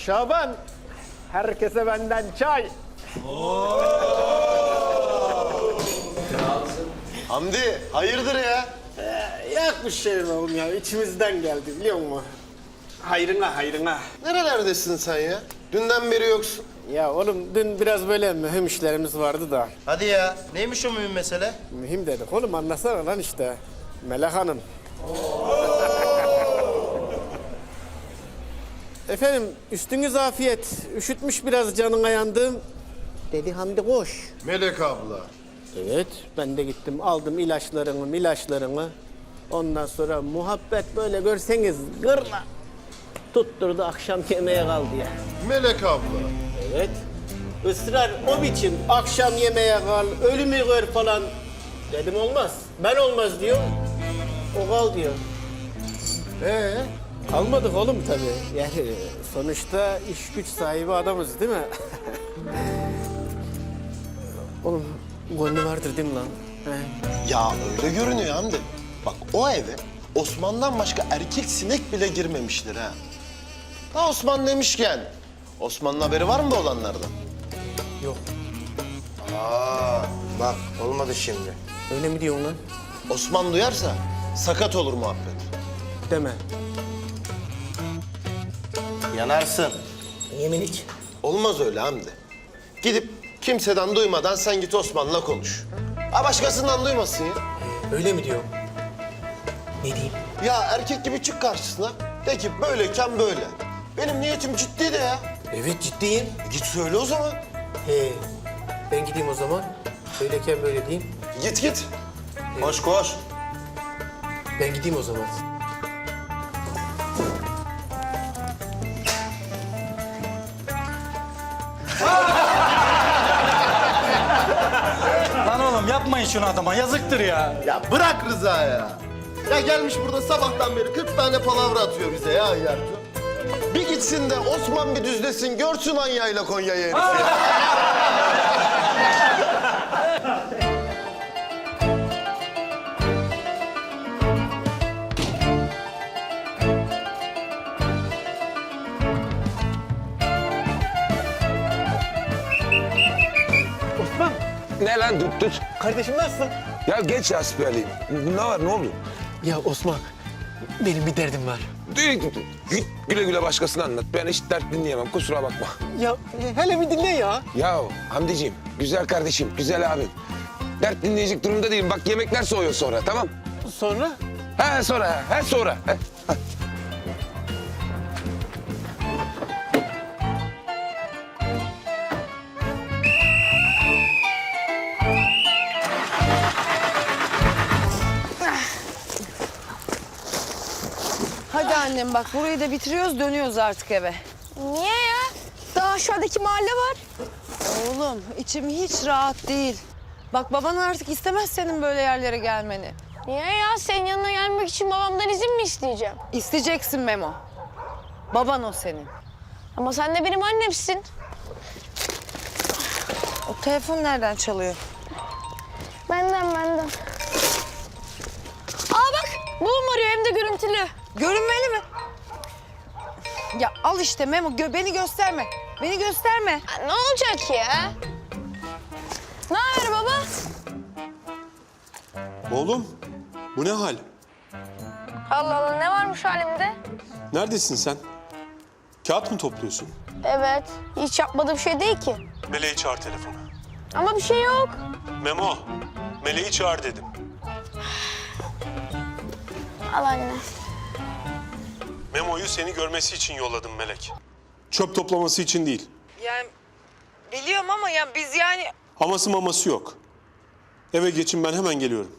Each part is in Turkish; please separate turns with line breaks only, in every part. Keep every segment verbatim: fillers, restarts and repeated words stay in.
Şaban, herkese benden çay.
Hamdi, hayırdır ya?
Ee, yok bir şey oğlum ya, içimizden geldi biliyor musun? Hayrına, hayrına.
Nerelerdesin sen ya? Dünden beri yoksun.
Ya oğlum dün biraz böyle mühim işlerimiz vardı da.
Hadi ya. Neymiş o mühim mesele?
Mühim dedik oğlum, anlasana lan işte. Melek Hanım. Efendim, üstünüz afiyet. Üşütmüş biraz canına yandım. Dedi Hamdi koş.
Melek abla.
Evet, ben de gittim aldım ilaçlarını, ilaçlarını. Ondan sonra muhabbet böyle görseniz gırla. Tutturdu akşam yemeğe kaldı ya.
Melek abla.
Evet. Israr o biçim akşam yemeğe kal, ölümü gör falan. Dedim olmaz. Ben olmaz diyor. O kal diyor.
Ee?
Kalmadık oğlum tabii. Yani sonuçta iş güç sahibi adamız değil mi? Oğlum gönlü vardır değil mi lan? He?
Ya öyle görünüyor Hamdi. Bak o eve Osman'dan başka erkek sinek bile girmemiştir ha. Ha Osman demişken, Osman'ın haberi var mı bu olanlardan?
Yok.
Aa, bak olmadı şimdi.
Öyle mi diyorsun lan?
Osman duyarsa sakat olur muhabbet.
Deme.
Yanarsın.
Yemin iç.
Olmaz öyle Hamdi. Gidip kimseden duymadan sen git Osman'la konuş. Ha başkasından duymasın ya.
Öyle mi diyor? Ne diyeyim?
Ya erkek gibi çık karşısına. De ki böyleyken böyle. Benim niyetim ciddi de ya.
Evet ciddiyim.
E git söyle o zaman.
He. Ben gideyim o zaman. Böyleyken böyle diyeyim.
Git git. Koş koş.
Ben gideyim o zaman.
Lan oğlum yapmayın şunu adama, yazıktır ya.
Ya bırak Rıza ya. Ya gelmiş burada sabahtan beri kırk tane palavra atıyor bize ya Yartu. Bir gitsin de Osman bir düzlesin, görsün Anya'yla Konya'yı herif ya.
Osman,
Ne lan tut tut.
kardeşim nasılsın?
Ya geç ya siperliyim. Ne var ne oldu?
Ya Osman, benim bir derdim var.
Git güle güle başkasına anlat. Ben hiç dert dinleyemem kusura bakma.
Ya e, hele bir dinle ya.
Ya Hamdiciğim, güzel kardeşim, güzel abim. Dert dinleyecek durumda değilim. Bak yemekler soğuyor sonra tamam?
Sonra?
He sonra, he sonra. He.
Hadi annem bak burayı da bitiriyoruz dönüyoruz artık eve.
Niye ya? Daha aşağıdaki mahalle var.
Oğlum içim hiç rahat değil. Bak baban artık istemez senin böyle yerlere gelmeni.
Niye ya? Senin yanına gelmek için babamdan izin mi isteyeceğim?
İsteyeceksin Memo. Baban o senin.
Ama sen de benim annemsin.
O telefon nereden çalıyor?
Benden benden. Aa bak! Babam arıyor hem de görüntülü.
Görünmeli mi? Ya al işte Memo gö beni gösterme. Beni gösterme.
Ha, ne olacak ya? Ne haber baba?
Oğlum, bu ne hal?
Allah Allah ne varmış halimde?
Neredesin sen? Kağıt mı topluyorsun?
Evet. Hiç yapmadığım şey değil ki.
Meleği çağır telefona.
Ama bir şey yok.
Memo, Meleği çağır dedim.
Al anne.
Memo'yu seni görmesi için yolladım Melek. Çöp toplaması için değil.
Yani biliyorum ama ya biz yani...
Haması maması yok. Eve geçin ben hemen geliyorum.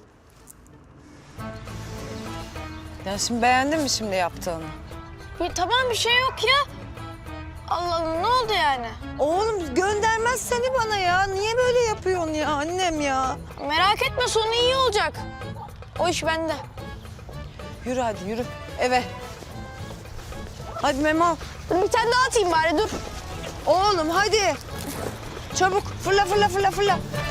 Ya şimdi beğendin mi şimdi yaptığını?
Ya, tamam bir şey yok ya. Allah Allah ne oldu yani?
Oğlum göndermez seni bana ya. Niye böyle yapıyorsun ya annem ya?
Merak etme sonu iyi olacak. O iş bende.
Yürü hadi yürü eve. Hadi Memo.
Dur bir tane daha atayım bari dur.
Oğlum hadi. Çabuk fırla fırla fırla fırla.